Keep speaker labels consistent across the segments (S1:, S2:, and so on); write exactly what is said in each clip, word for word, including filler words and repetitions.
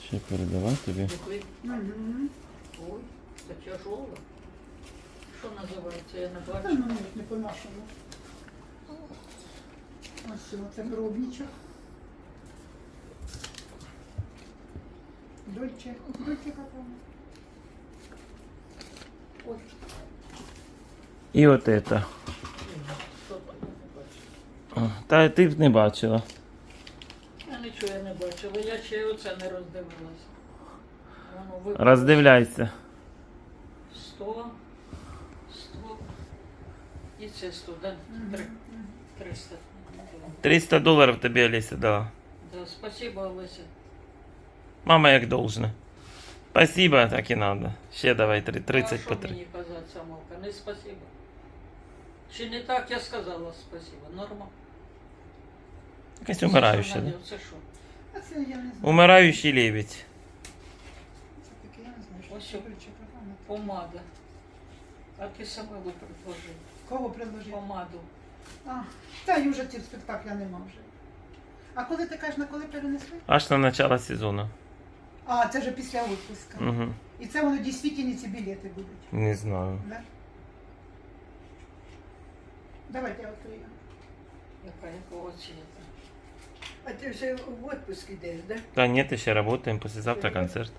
S1: Ще передавай тобі.
S2: Дякую.
S3: Угу.
S2: Ой, це тяжело. Що називається, я не
S3: Та
S2: бачу.
S3: ну ні, не по-нашому. Ось цього, це гробничок. Дольче, дольче капоне.
S2: Ой,
S1: І от це.
S2: що там я не бачу.
S1: Та ти б не бачила.
S2: Я нічого я не бачила, я ще й оце не роздивилася. Воно випало.
S1: Роздивляйся.
S2: Сто, сто. І це сто, да? Три. Триста.
S1: триста доларів тобі Олеся дала.
S2: Да, спасибо, Олеся.
S1: Мама як должна. Спасибо, так і надо. Ще давай три- тридцять
S2: а
S1: по
S2: що
S1: три.
S2: мені казати, Самовка? Не спасибо. Чи не так я сказала спасибо? Норма.
S1: Якась умираюча,
S2: Це
S1: да?
S2: що, Надя, це що?
S3: А це я не знаю.
S1: Умираючий лебедь.
S3: Це таке, я не знаю, що
S2: Ось
S3: це
S2: що.
S3: дольче капоне.
S2: Помада. А ти Самилу предложив.
S3: Кого предложив?
S2: Помаду.
S3: А, та й уже цього спектакля нема вже. А коли ти кажеш, на коли перенесли?
S1: Аж на начало сезону.
S3: А, це вже після відпуска.
S1: Угу.
S3: І це воно дійсно ці білети будуть.
S1: Не знаю.
S3: Да? Давайте я відкрию.
S2: Яка якого цвіта?
S4: А ти вже в отпуск йдеш, да?
S1: Да нет, еще работаем. Послезавтра концерт.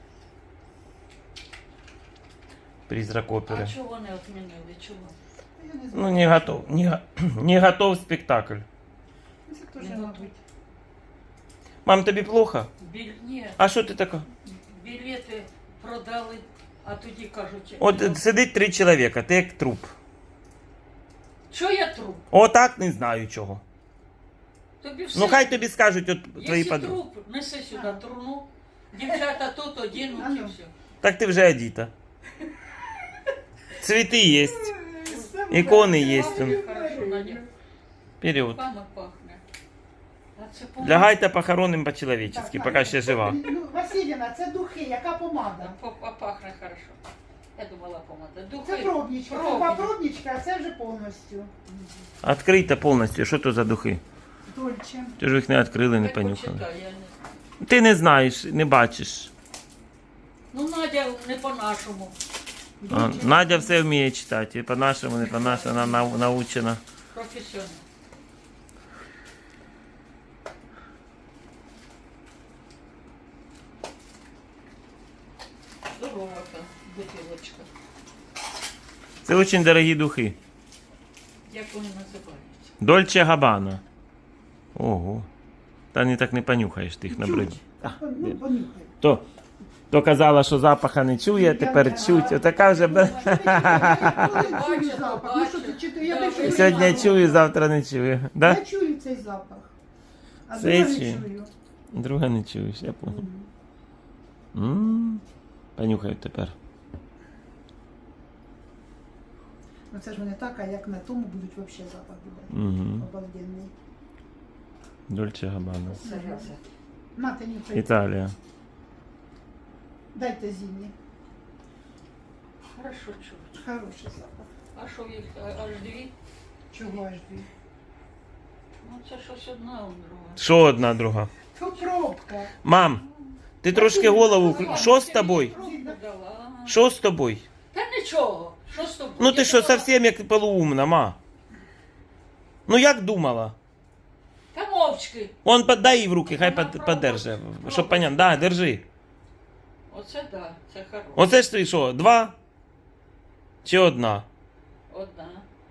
S1: Призрак
S2: А
S1: оперы.
S2: чого не відмінили? Чого?
S3: Я не знаю.
S1: Ну, не готов. Не, го- не готов спектакль.
S3: Ну, це теж,
S2: Не
S3: мабуть.
S2: готові.
S1: Мам, тобі плохо?
S2: Біль... Ні,
S1: А що ти така?
S2: білети продали, а тоді кажуть...
S1: От
S2: ну,
S1: сидить три чоловіка, ти як труп.
S2: що я труп?
S1: Отак не знаю чого.
S2: Тобі все...
S1: Ну хай тобі скажуть от твої
S2: Якщо
S1: подруги.
S2: труп, неси сюди труну, дівчата тут одінуть і
S3: Ану.
S2: все.
S1: Так ти вже одіта. Цвіти є. Ікони є.
S2: Пахне хорошо, Надя.
S1: Вперед.
S2: Пахне, пахне. А це помада.
S1: Лягайте похороним по-человечески,
S3: Так,
S1: поки
S3: так.
S1: ще жива.
S3: Ну, Василіна, це духи, яка помада?
S2: А, а пахне хорошо. Я думала помада. Духи.
S3: Це пробничка. Це
S2: Пробничка.
S3: два пробничка, а це вже повністю.
S1: Відкрийте повністю, що то за духи?
S3: Дольче.
S1: Ти ж їх не відкрили, не
S2: Хай
S1: понюхали.
S2: почитай, я не...
S1: Ти не знаєш, не бачиш.
S2: Ну, Надя не по-нашому.
S1: А,
S3: Дольче.
S1: Надя все вміє читати. І по-нашому, не по-нашому, вона нау- научена.
S2: Професіонал. Здорова та бутилочка.
S1: Це дуже дорогі духи.
S2: Як вони називаються?
S1: Дольче Габбана. Ого. Та не так не понюхаєш, ти їх набридь.
S3: Ну, понюхай.
S1: То, то казала, що запаха не чує, тепер чуть. Отака вже... бе-
S3: Коли чую запах? Ну що ти чути? Я більше не
S1: Сьогодні
S3: знаю.
S1: чую, завтра не чую. Да?
S3: Я чую цей запах. А
S1: Цей
S3: друга не
S1: чую.
S3: чую.
S1: Друга не чуєш, я понял. М, Понюхаю тепер.
S3: Ну це ж вони так, а як на тому будуть взагалі запах буде.
S1: Угу.
S3: Обалденний.
S1: Дольче Габбана.
S2: Зараза.
S3: Мати нюхай.
S1: Італія.
S3: Дайте зімні.
S2: Хорошо чуть.
S3: Хороший запах.
S2: А що їх а- аж дві?
S3: Чого аж дві?
S2: Ну це щось одна, а друга.
S1: Що одна друга?
S3: То пробка.
S1: Мам, ти трошки голову... вкру- Що з тобою?
S2: Пробку дала.
S1: Що з тобою?
S2: Та нічого. Що з тобою?
S1: Ну ти
S2: Я
S1: що,
S2: думала,
S1: зовсім як полуумна, ма? Ну як думала?
S2: Та мовчки.
S1: Он подай їй в руки, хай
S2: Вона
S1: под- подерже.
S2: пробує.
S1: Щоб понятно. Да, держи.
S2: Оце да, це хороше.
S1: Оце ж ти що, два? Чи одна?
S2: Одна.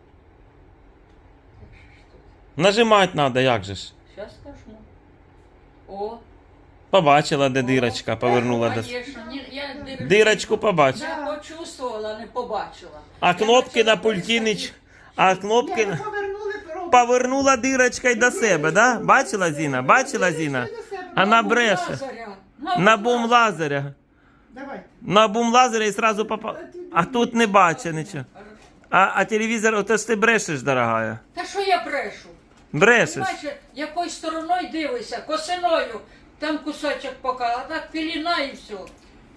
S1: Нажимати треба, як же ж?
S2: Зараз скажу. О.
S1: Побачила, де дирочка, повернула до...
S2: Конечно, ні, я дир-
S1: Дирочку побачила.
S2: Я почувствувала, не побачила.
S1: А
S2: Я
S1: кнопки на
S2: почала
S1: пульті не...
S2: писати.
S1: ч- А кнопки...
S3: Я
S1: на-
S3: повернули пробку.
S1: Повернула дирочка й до себе, да? Бачила Зіна? Бачила Зіна? Вона бреше.
S2: Лазаря.
S1: На бум лазаря.
S3: Давайте.
S1: На бум лазаря і сразу попала. А тут не бачить нічого. А, а телевізор, ото ж ти брешеш, дорогая.
S2: Та що я брешу?
S1: Брешеш.
S2: Бачиш, якоюсь стороною дивися, косиною. Там кусочок пока, а так піліна і все.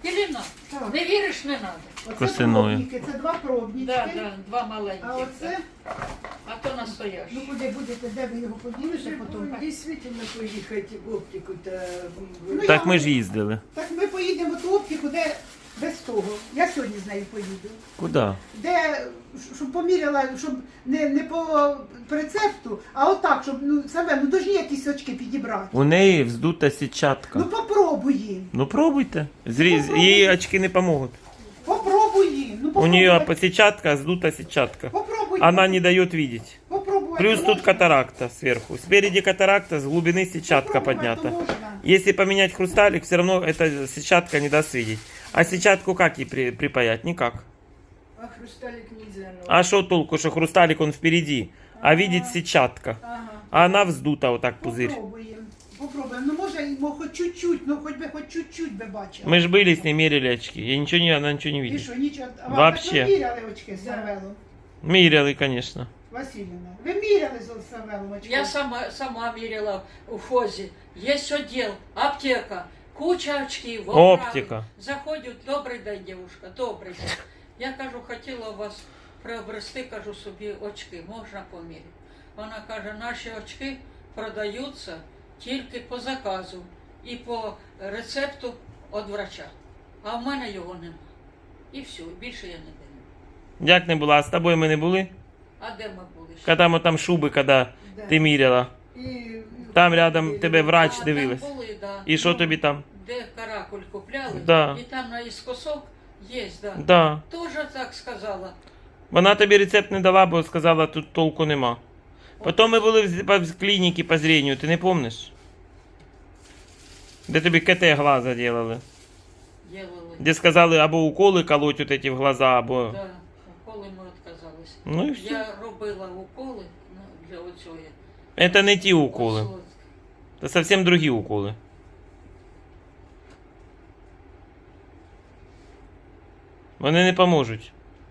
S2: Єліна,
S3: Так.
S2: не віриш, не треба.
S3: Оце
S1: Косиною.
S3: пробники, це два пробнички.
S2: Да, да, два маленькі.
S3: А оце,
S2: А то настояш.
S3: ну куди будете, де ви його поділите потім?
S4: Дійсно поїхати в оптику та...
S3: Ну,
S1: Так
S3: я-
S1: ми ж їздили.
S3: Так ми поїдемо в ту оптику, де без того. Я сьогодні з нею поїду.
S1: Куди?
S3: Де, щоб поміряла, щоб не, не по рецепту, а отак, щоб, ну, саме, ну, должні якісь очки підібрати.
S1: У неї вздута сітчатка.
S3: Ну, попробуй їм.
S1: Ну пробуйте. Зріз... Їй очки не помогут.
S3: Попробуй їм. Ну,
S1: У
S3: попробуй.
S1: нее сетчатка, сдута сетчатка.
S3: Попробуй.
S1: Она не дает видеть.
S3: Попробуй.
S1: Плюс
S3: Можна?
S1: тут катаракта сверху. Спереди катаракта, с глубины сетчатка
S3: Попробувати
S1: поднята.
S3: можна.
S1: Если поменять хрусталик, все равно эта сетчатка не даст видеть. А сетчатку как ей при- припаять? Никак.
S4: А хрусталик нельзя, ну.
S1: А что толку, что хрусталик он впереди, а видеть сетчатка.
S4: Ага.
S1: А она вздута вот так пузырь.
S3: Попробуємо. Попробуємо. Ну, може, і, мо- хоч чуть-чуть, ну, хоч би, хоч чуть-чуть би бачила.
S1: Мы же были с ней, мерили очки. Я ничего не, она ничего не
S3: І
S1: видит.
S3: що, нічого? А вам
S1: Вообще.
S3: так ви міряли очки з Савелом?
S1: Мерили, конечно.
S3: Васильівна, ви міряли з Савелом очки?
S2: Я сама, сама міряла у ФОЗі. Є відділ, аптека, куча очків, оправи.
S1: Оптика.
S2: Заходять, добрий день, дівушка, добрий день. Я кажу, хотіла у вас приобрести, кажу собі, очки, можна поміряти. Вона каже, наші очки продаються тільки по заказу і по рецепту від врача. А в мене його нема. І все, більше я не даю.
S1: Як не була, а з тобою ми не були?
S2: А де ми були? ще?
S1: Когда мы там шубы, когда
S4: Да.
S1: ти міряла.
S4: І...
S1: Там рядом тебе врач
S2: А,
S1: дивилась.
S2: там були, да.
S1: І що тобі там?
S2: Де каракуль купляли,
S1: Да.
S2: і там наіскосок є, да.
S1: Да.
S2: Тоже так сказала.
S1: Вона тобі рецепт не дала, бо сказала, тут толку нема. Потім ми були в, в, в клініці по зрению, ти не помниш? Де тобі КТ глаза делали.
S2: Ділили.
S1: Де сказали, або уколи колоть от эти в глаза, або...
S2: Да. Уколи ми відказалися.
S1: Ну і все.
S2: Я робила уколи ну, для оцього.
S1: Это не ті уколи.
S2: Ось,
S1: Це зовсім другі уколи. Вони не поможуть.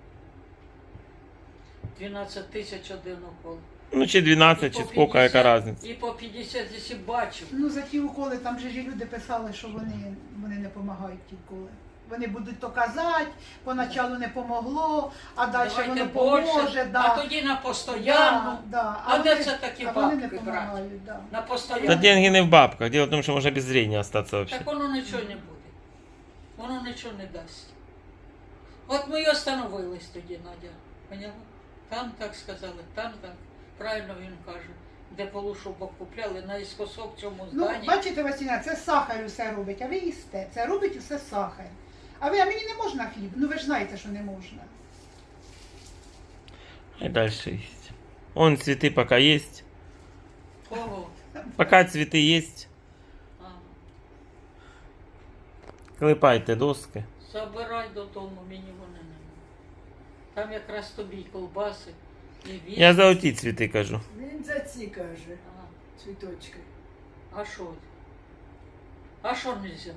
S2: дванадцять тисяч один укол.
S1: Ну, чи дванадцять,
S2: І
S1: чи
S2: по
S1: сколько, яка
S2: п'ятдесят,
S1: різниця.
S2: І по п'ятдесят, якщо бачу.
S3: Ну, за ті уколи, там же ж і люди писали, що вони, вони не допомагають ті уколи. Вони будуть то казати, поначалу не помогло, а далі
S2: Давайте
S3: воно
S2: більше,
S3: поможе. Да.
S2: а тоді на постоянну.
S3: Да, да.
S2: А де
S3: вони-
S2: це такі
S3: а вони не
S2: бабки брати?
S3: допомагають, да.
S2: На
S1: Та
S2: постоянну.
S1: деньги не в бабках. Дело в тому, що можна без зрения остатися вообще.
S2: Так воно нічого не буде. Воно нічого не дасть. От ми й остановились тоді, Надя. Поняла? Там так сказали, там так. Правильно він каже. Де полушубок купляли, наіскосок в цьому
S3: Ну,
S2: зданні.
S3: бачите, Василя, це сахар усе робить, а ви їсте. Це робить усе сахар. А ви, а мені не можна хліб? Ну ви ж знаєте, що не можна.
S1: І далі есть. Он цветы пока есть.
S2: Кого?
S1: Пока цветы есть.
S2: А,
S1: Клепайте доски.
S2: забирай додому, мені вони не треба. Там якраз тобі й колбаси, і він.
S1: Я за оті цвіти кажу.
S4: Він за ці каже,
S2: А,
S4: цвіточки.
S2: а що? А що нельзя?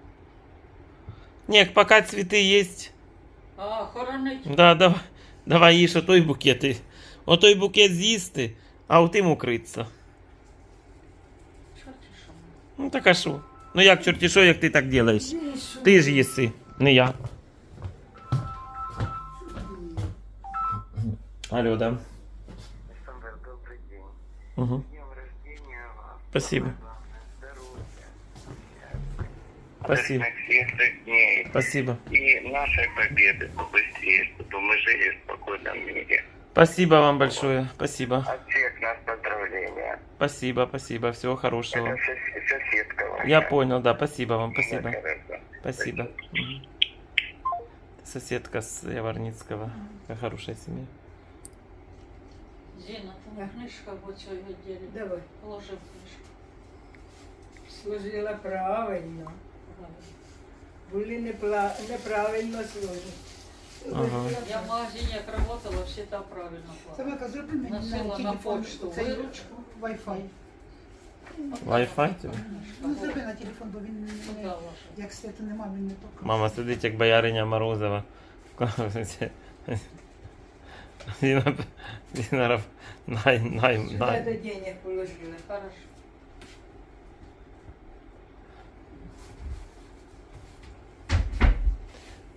S1: Ні, пока цвіти есть.
S2: А, хоронить?
S1: Да, давай, давай їж отой букет. і- Отой букет з'їсти, а отим укритися.
S2: Чорті що?
S1: Ну так а що? Ну як чорті що, як ти так делаєш?
S4: Він що?
S1: Ти ж їси, не я. Алло, да.
S5: Александр, добрый день.
S1: Угу.
S5: С днем рождения вас.
S1: Спасибо.
S5: Главное, здоровья.
S1: Спасибо.
S5: Светлых дней.
S1: Спасибо.
S5: И нашей победы побыстрее, чтобы мы жили в спокойном мире.
S1: Спасибо вам большое. Спасибо.
S5: От всех нас поздравления.
S1: Спасибо, спасибо. Всего хорошего.
S5: Это сос- соседка ваша.
S1: Я понял, да. Спасибо вам. Спасибо.
S5: Да, хорошо.
S1: Спасибо. Мгм. Соседка с Яворницкого. Какая хорошая семья.
S2: Зіна, там книжка в оцій відділі.
S4: Давай.
S2: Положи книжку.
S4: Сложила правильно.
S2: Правильно.
S4: Були непла... неправильно сложені.
S1: Ага.
S2: Я в магазині як працювала, всі там правильно клали.
S3: Самека, зроби мені
S2: Носила
S3: на
S2: на
S3: телефон
S2: почту
S3: цей
S2: виручку.
S3: Wi-Fi.
S1: Wi-Fi тебе?
S3: Ну, зроби на телефон, бо він
S2: Куда
S3: не,
S2: ваша?
S3: як світу нема, він не покаже.
S1: Мама сидить, як бояриня Морозова. Діна, Діна, най, най,
S4: Сюди
S1: най.
S4: до денег положила.
S2: Хорошо.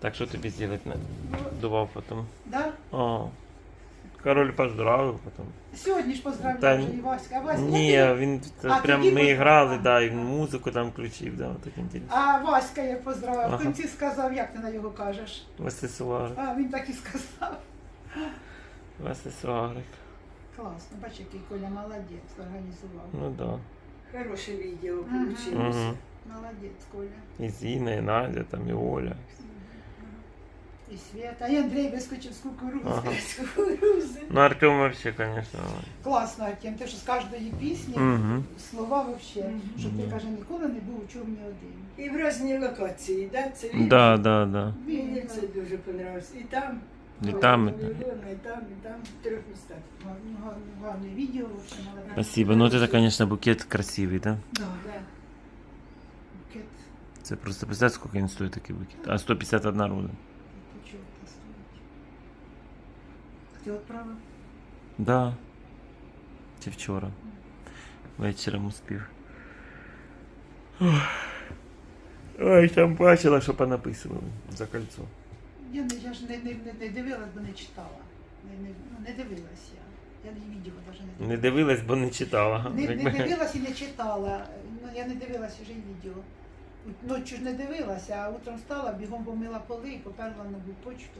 S1: Так що тобі зробити не дував потім?
S3: Да?
S1: О, король поздравив потім.
S3: Сьогодні ж поздравляю
S1: Та
S3: вже і Васька. А Васька,
S1: Ні,
S3: як ти-
S1: він це
S3: А,
S1: прям
S3: тоді
S1: ми
S3: поздравив.
S1: грали, да, і він музику там включив, да, так інтересно.
S3: А Васька як поздравив.
S1: Ага.
S3: В кінці сказав, як ти на його кажеш.
S1: Васисуарик,
S3: А він так і сказав.
S1: Васисуарик.
S3: Класно, бач, який Коля молодець, організував.
S1: Ну да.
S4: Хороше відео
S3: Мгм.
S4: вийшло.
S1: Угу.
S3: Молодець, Коля.
S1: І Зіна, і Надя, там, і Оля.
S3: І Света. І Андрій вискочив з кукурузи.
S1: Ага.
S3: З кукурузи.
S1: Ну Артем вообще, конечно.
S3: Класно, Артем, ти що з кожної пісні
S1: Угу.
S3: слова вообще,
S4: Мгм.
S3: що ти,
S1: Мгм.
S3: каже, ніколи не був у човні один.
S4: І в різні локації, да? Це відео?
S1: Да, да, да.
S4: Мені це дуже понравилось. І там,
S1: І там, і там.
S4: Ілона, і там, і там, в трьох містах.
S3: Гарне, гарне, гарне відео, вообще молодець.
S1: Спасибо. Ну, это, конечно, букет красивый, да?
S3: Да,
S4: Да.
S3: букет
S1: Это просто, представь, сколько он стоит, такой букет. А сто пятьдесят одна руда.
S3: почув стоїть. Ти відправив?
S1: Да. Чи вчора. Вечером успів. Ох. Ой, там бачила, що понаписували за кольцо.
S3: Я, не, я ж не, не, не, не дивилась, бо не читала. Не, не, ну, не дивилась я. Я і відео навіть не дивилась.
S1: Не дивилась, бо не читала.
S3: Не, не
S1: Якби-
S3: дивилась і не читала. Ну, я не дивилася вже й відео. Ночі ж не дивилася, а утром встала, бігом помила поли і поперла на нову почту.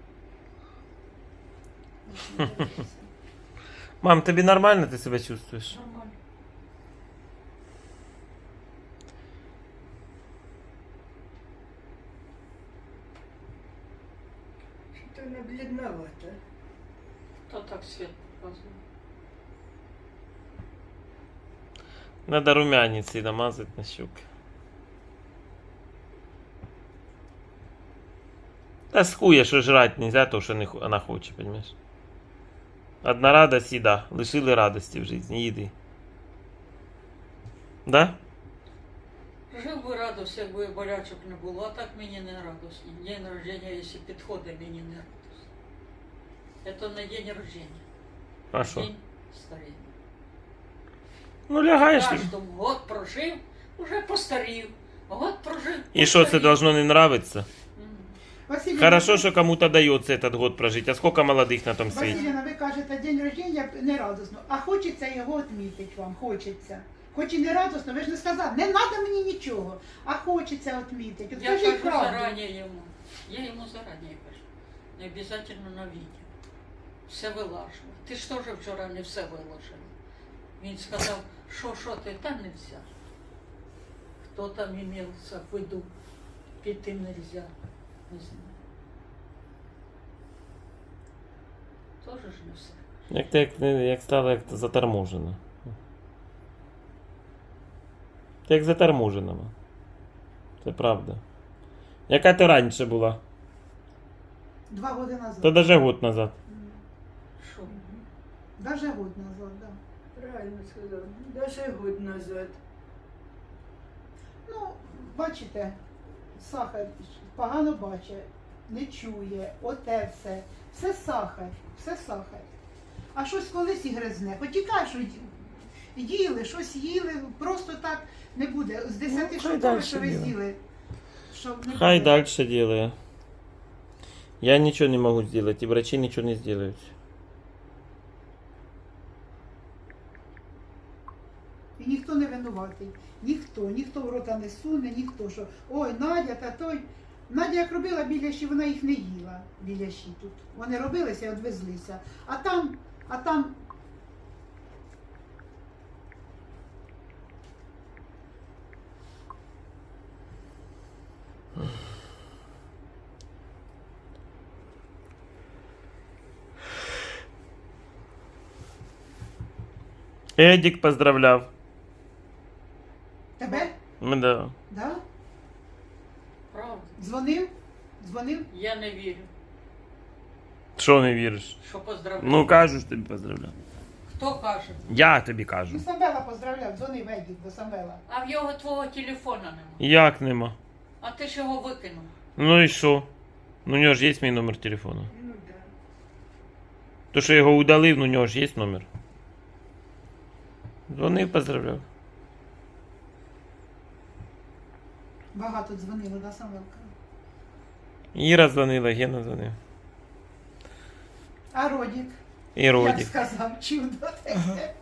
S3: Більше не дивилася.
S1: Мам, тобі нормально ти себе чувствуєш?
S2: Нормально.
S4: Що то вона блідновата.
S2: То так світ показує.
S1: Надо румяниці намазати на щуки. Та схує, що жрать нельзя, то, що не, хо- вона хоче, понимаешь? Одна радость і да. Лишили радості в житті, їди. Да?
S2: Жив би радость, якби болячок не було, а так мені не радостно. День народження, якщо підходить, мені не радостно. Це не день народження,
S1: А що?
S2: день старіння.
S1: Ну лягаєш.
S2: Кожному год прожив, уже постарів. Год прожив.
S1: І що, це
S2: постарів.
S1: должно не нравиться?
S2: М.
S3: Василіна,
S1: Хорошо,
S3: ви-
S1: що кому-то дається этот год прожити, а сколько молодих на тому світі?
S3: Василіна, ви кажете, день рождення не радосно, а хочеться його відмітити вам, хочеться. Хоч і не радосно, ви ж не сказали, не треба мені нічого, а хочеться відмітити. От
S2: Я
S3: скажіть
S2: кажу
S3: правду.
S2: зарані йому. Я йому зарані кажу. Не обов'язково на відео. Все вилажу. Ти ж теж вчора не все виложив. Він сказав, що, що ти, та не взяв. Хто там імівся в виду, піти нельзя. Не знаю. Тоже ж не все.
S1: Як ти як, не- як стало як заторможена. Ти як заторможена. ма. Це правда. Яка ти раніше була?
S3: Два роки назад.
S1: Та даже год назад.
S2: Що?
S3: Даже год назад, да.
S4: Правильно сказав. Даже год назад.
S3: Ну, бачите, сахар погано бачить, не чує, оте все. Все сахар, все сахар. А щось колись і гризне. Хоч і кажуть, що ї- їли, щось їли, просто так не буде. З десяти
S1: Ну, хай
S3: штук,
S1: дальше
S3: що ви
S1: діло.
S3: з'їли. Щоб не
S1: Хай
S3: буде.
S1: дальше делаю. Я ничего не могу сделать, и врачи ничего не сделают.
S3: І ніхто не винуватий. Ніхто, ніхто в рота не суне, ніхто що. Ой, Надя та той. Надя як робила біляші, вона їх не їла, біляші тут. Вони робилися і відвезлися. А там, а там.
S1: Эдик поздравляв.
S3: Тебе?
S1: Ну да.
S3: Да?
S2: Правда?
S3: Дзвонив? Дзвонив?
S2: Я не вірю,
S1: Що не віриш?
S2: що поздравляю.
S1: Ну кажу, що тобі поздравляв.
S2: Хто каже?
S1: Я тобі кажу.
S3: Ну, Самвела поздравляв, дзвонив Едік до Самвела.
S2: А в його твого телефона нема.
S1: Як нема?
S2: А ти ж його викинув.
S1: Ну і що? Ну у нього ж є мій номер телефону.
S4: Ну да.
S1: То, що я його удалив, ну у нього ж є номер. Дзвонив, поздравляв.
S3: Багато дзвонило, да, Самвелка?
S1: Іра дзвонила, Гена дзвонив.
S3: А Родік,
S1: І
S3: як
S1: Родік.
S3: сказав, чудо таке.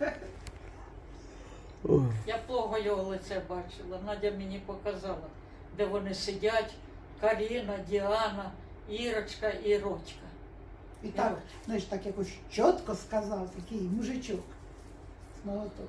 S2: Я плохо його лице бачила. Надя мені показала, де вони сидять. Каріна, Діана, Ірочка і Родька.
S3: І так, знаєш, так якось чітко сказав, такий мужичок. З молоток.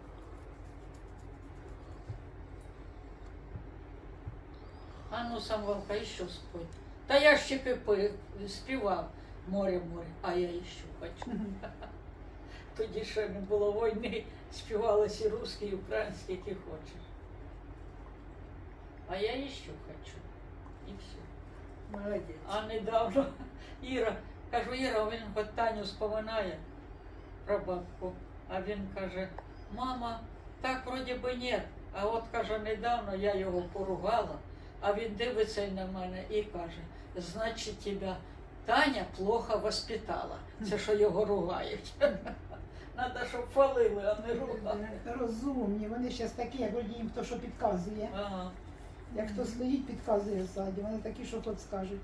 S2: А ну, Самвелка, і що спой? Та я ж тільки пи- співав море, море, а я іще хочу. Тоді ще не було війни, співалися і русські, і українські, які хочеш. А я іще хочу. І все.
S4: Молодець.
S2: А недавно Іра, кажу, Іра, він хоч Таню споминає про бабку. А він каже, мама, так вроді би ні. А от каже, недавно я його поругала, а він дивиться на мене і каже, значить тебе Таня плохо воспитала. Це що його ругають. Надо, щоб хвалили, а не ругали.
S3: Розумні, вони зараз такі, як вроді їм хто що підказує.
S2: Ага.
S3: Як хто стоїть, підказує ззаді. Вони такі, що тут скажуть.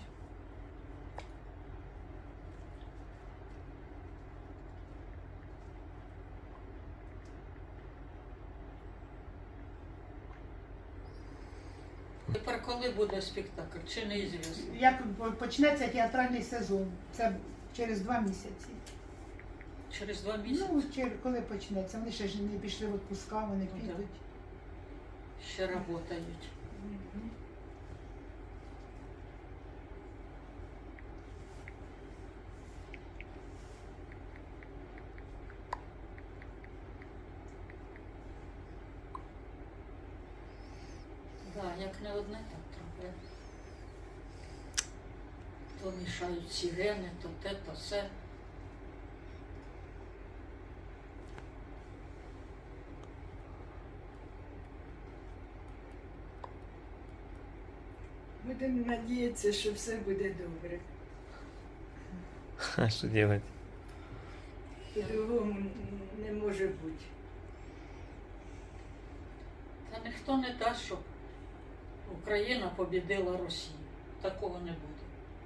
S2: Тепер коли буде спектакль, чи неізвісно?
S3: Як почнеться театральний сезон, це через два місяці.
S2: Через два місяці
S3: Ну, чер- коли почнеться, вони ще ж не пішли в відпуска, вони
S2: Ну,
S3: підуть.
S2: ще працюють. Да, як не одне, так трохи. То мішають сирени, то те, то все.
S4: Будемо надіятися, що все буде добре.
S1: А що робити?
S4: По-другому не може бути.
S2: Та ніхто не дасть, щоб Україна побідила Росію. Такого не буде.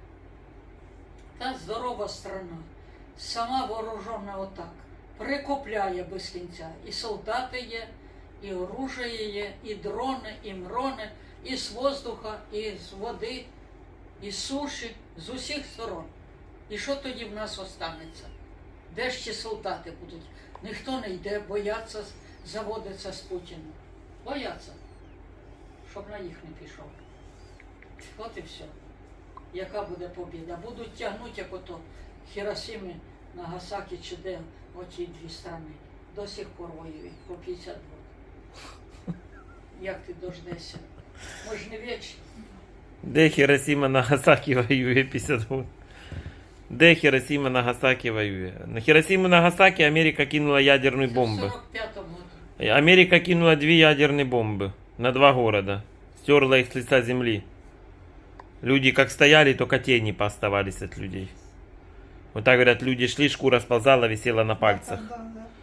S2: Та здорова страна, сама вооружена отак, прикупляє без кінця. І солдати є, і оружие є, і дрони, і мрони, і з воздуха, і з води, і з суші, з усіх сторон. І що тоді в нас останеться? Де ж ті солдати будуть? Ніхто не йде, бояться заводиться з Путіним. Бояться, щоб на їх не пішов. От і все. Яка буде побіда? Будуть тягнути, як ото Хіросіми, Нагасакі чи де оті дві страни. До сих пор воюють по п'ятдесят років. Як ти дождешся? Ми ж не вічні.
S1: Де Хіросіма Нагасакі воює п'ятдесят років? Де Хіросіма Нагасакі воює? На Хіросіму Нагасакі Америка кинула ядерні
S2: Це в
S1: бомби.
S2: сорок п'ятому году.
S1: Америка кинула две ядерные бомбы на два города. Стерла их с лица земли. Люди как стояли, только тени пооставались от людей. Вот так говорят, люди шли, шкура сползала, висела на пальцах.
S3: Да, да, да.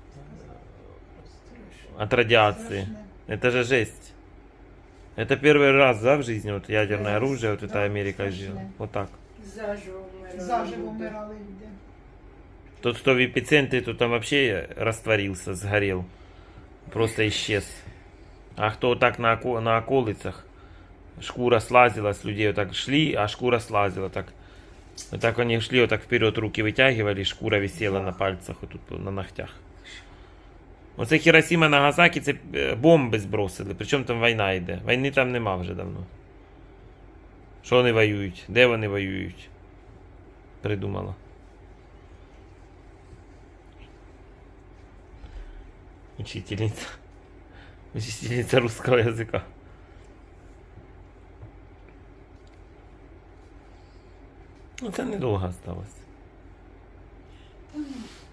S1: От радиации.
S3: Страшне.
S1: Это же жесть. Это первый раз, да, в жизни вот ядерное
S3: Да,
S1: оружие, вот
S3: да,
S1: это Америка
S3: страшне.
S1: сделала. Вот так.
S4: Заживо вмирали.
S3: Заживо
S4: люди.
S3: вмирали люди.
S1: Тот, кто в эпицентре, то там вообще растворился, сгорел. Просто исчез. А кто вот так на, око- на околицах, шкура слазила с людей, вот так шли, а шкура слазила. Так. Вот так они шли, вот так вперед руки вытягивали, шкура висела на пальцах, вот тут на ногтях. Оце Хіросіма Нагасакі, це е, бомби збросили, причому там війна йде. Війни там нема вже давно. Що вони воюють? Де вони воюють? Придумала. Учительница. Учительница русского языка. Ну, це недовго осталось.
S3: Та ну,